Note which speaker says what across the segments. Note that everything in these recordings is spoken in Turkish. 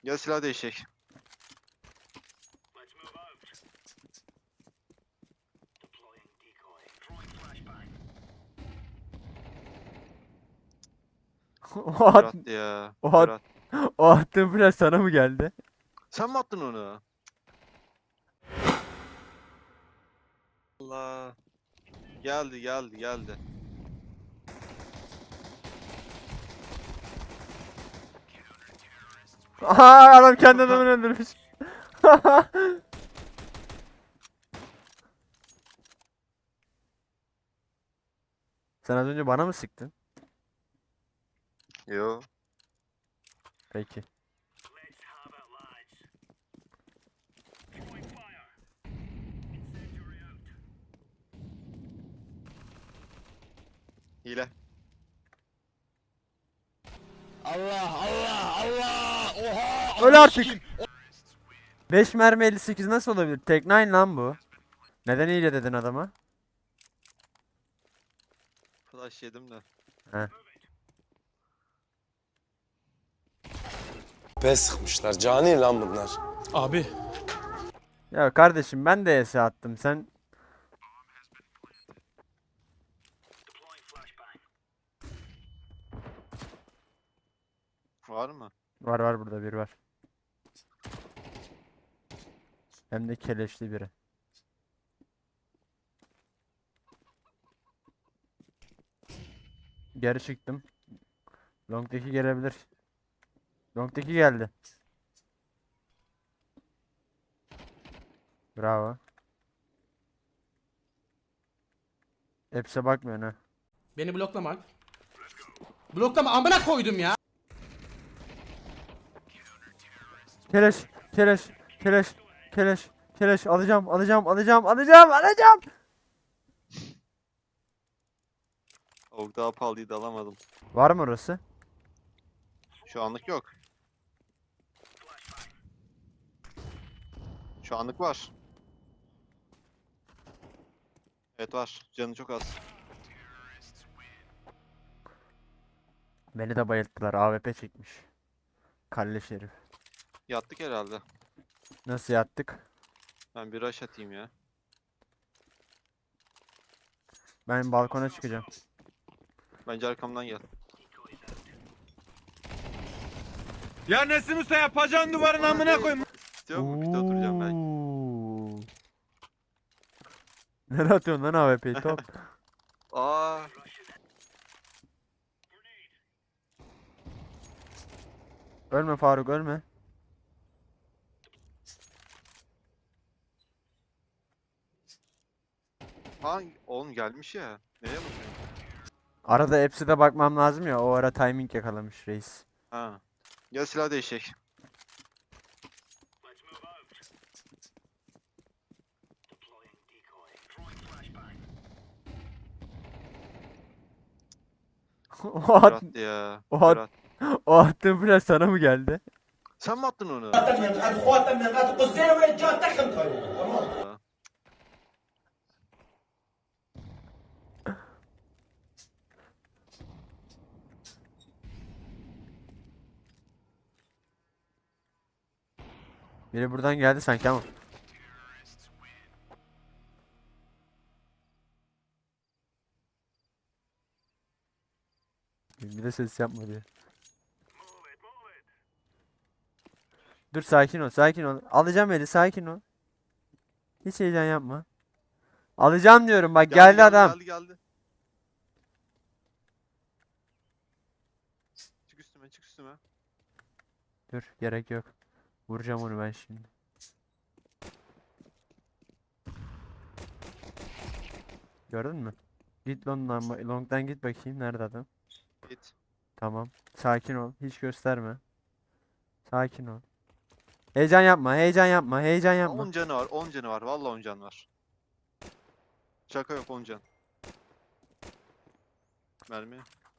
Speaker 1: Gel silah değişecek.
Speaker 2: O,
Speaker 1: Kör
Speaker 2: at,
Speaker 1: attı ya.
Speaker 2: o,
Speaker 1: Kör
Speaker 2: at,
Speaker 1: at.
Speaker 2: o attığın flash sana mı geldi?
Speaker 1: Sen mi attın onu? Allah. Geldi.
Speaker 2: Aha, adam kendi adamını öldürmüş. Sen az önce bana mı sıktın?
Speaker 1: Yo.
Speaker 2: Peki.
Speaker 1: Hile.
Speaker 2: Öl artık. 5 mermi 58 nasıl olabilir? Tek 9 lan bu. Neden hile dedin adama?
Speaker 1: Flash yedim de.
Speaker 2: He.
Speaker 3: P sıkmışlar. Cani lan bunlar.
Speaker 4: Abi
Speaker 2: Ya kardeşim ben de ES attım. Sen
Speaker 1: Var mı?
Speaker 2: var burada bir var. Hem de keleşli biri. Geri çıktım. Long'daki gelebilir. Long'daki geldi. Bravo. Hepsi bakmıyor ha.
Speaker 4: beni bloklama. Bloklama amına koydum ya.
Speaker 2: Keleş, keleş, keleş, keleş, keleş alacağım.
Speaker 1: Avuk daha pahalıydı alamadım.
Speaker 2: Var mı orası?
Speaker 1: Şu anlık yok. Şu anlık var. Evet var. Canı çok az.
Speaker 2: Beni de bayılttılar. AWP çekmiş. Kalleş herif.
Speaker 1: Yattık herhalde.
Speaker 2: Nasıl yattık?
Speaker 1: Ben bir rush atayım ya.
Speaker 2: Ben balkona çıkacağım.
Speaker 1: Bence arkamdan gel.
Speaker 5: Ya Nesim Usta yapacağın duvarın amına koyayım.
Speaker 1: İstiyor mu? Pite oturacağım ben.
Speaker 2: Oo. Nereye atıyorsun lan AWP'yi top?
Speaker 1: Aa.
Speaker 2: Ölme Faruk ölme.
Speaker 1: Ha oğlum gelmiş ya. Nereye bakıyorsun?
Speaker 2: Arada hepsi de bakmam lazım ya. O ara timing yakalamış reis.
Speaker 1: Ha. Gel silah değişecek.
Speaker 2: O,
Speaker 1: Kör
Speaker 2: at,
Speaker 1: attı ya.
Speaker 2: o,
Speaker 1: Kör
Speaker 2: at,
Speaker 1: at.
Speaker 2: o attığın flash sana mı geldi?
Speaker 1: Sen mi attın onu?
Speaker 2: Biri buradan geldi sanki ama. Bir de ses yapma diyor. Dur sakin ol. Alacağım eli sakin ol. Hiç heyecan yapma. Alacağım diyorum bak geldi adam.
Speaker 1: Geldi. Çık üstüme.
Speaker 2: Dur gerek yok. Vuracağım onu ben şimdi. Gördün mü? Git long'dan git bakayım nerede adam.
Speaker 1: Git.
Speaker 2: Tamam. Sakin ol. Hiç gösterme. Sakin ol. Heyecan yapma.
Speaker 1: 10 canı var. 10 canı var. Vallahi 10 can var. Şaka yok 10 can. Mermi.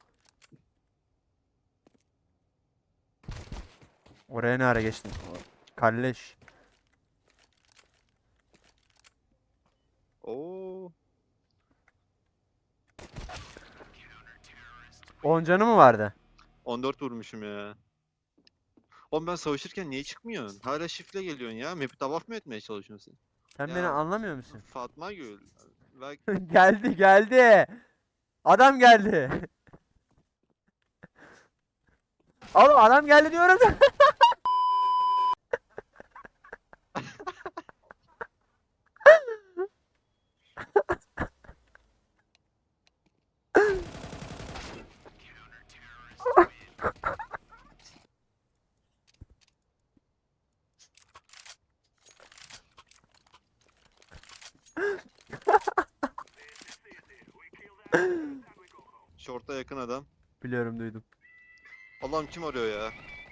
Speaker 2: Oraya ne ara geçtin? Kalleş.
Speaker 1: Oo.
Speaker 2: 10 canı mı vardı?
Speaker 1: 14 vurmuşum ya. Oğlum ben savaşırken niye çıkmıyorsun? Hala shift'le geliyorsun ya. Map'i tavaf mı etmeye çalışıyorsun
Speaker 2: Sen
Speaker 1: Ya.
Speaker 2: beni anlamıyor musun?
Speaker 1: sen? Fatma Gül. Bak
Speaker 2: Geldi geldi. Adam geldi. Oğlum adam geldi diyorum da.
Speaker 1: short'a yakın adam.
Speaker 2: Biliyorum duydum.
Speaker 1: Allah'ım kim arıyor ya?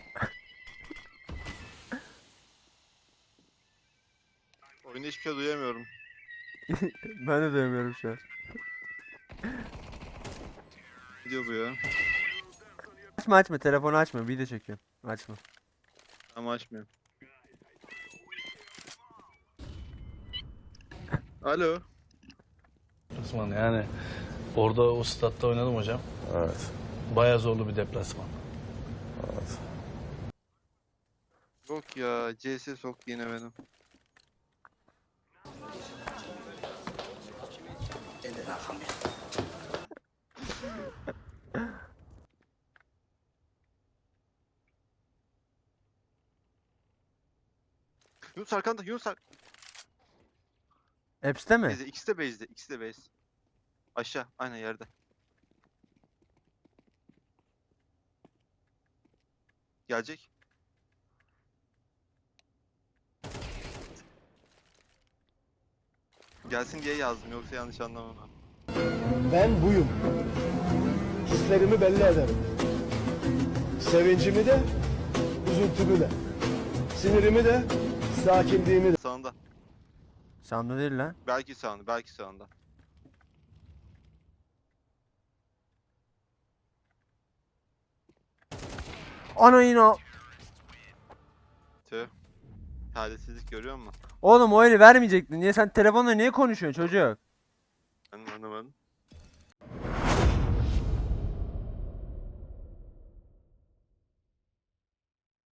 Speaker 1: Oyunda hiçbir şey duyamıyorum.
Speaker 2: Ben de duyamıyorum şu an.
Speaker 1: Ne diyor bu ya?
Speaker 2: Açma açma telefonu açma video çekiyorum. Açma.
Speaker 1: Ama açmıyorum. Alo.
Speaker 6: Deplasman yani orada o statta oynadım hocam.
Speaker 3: Evet.
Speaker 6: Bayağı zorlu bir deplasman.
Speaker 3: Evet.
Speaker 1: Yok ya, CS soktu yine benim. Yunus arkanda, Yunus
Speaker 2: Apps'te mi?
Speaker 1: base'de, ikisi de base'de, ikisi de base. Aşağı, aynen yerde. Gelecek. Gelsin diye yazdım, yoksa yanlış anlamam.
Speaker 7: Ben buyum. Hislerimi belli ederim. Sevincimi de, üzüntümü de. Sinirimi de, sakinliğimi de.
Speaker 1: Sağında.
Speaker 2: Sandı değil lan.
Speaker 1: Belki sağında, belki sağında.
Speaker 2: Ana yine.
Speaker 1: Tüh. Talihsizlik görüyor musun?
Speaker 2: Oğlum o eli vermeyecektin. Niye sen telefonla niye konuşuyorsun çocuk?
Speaker 1: Ben anlamadım.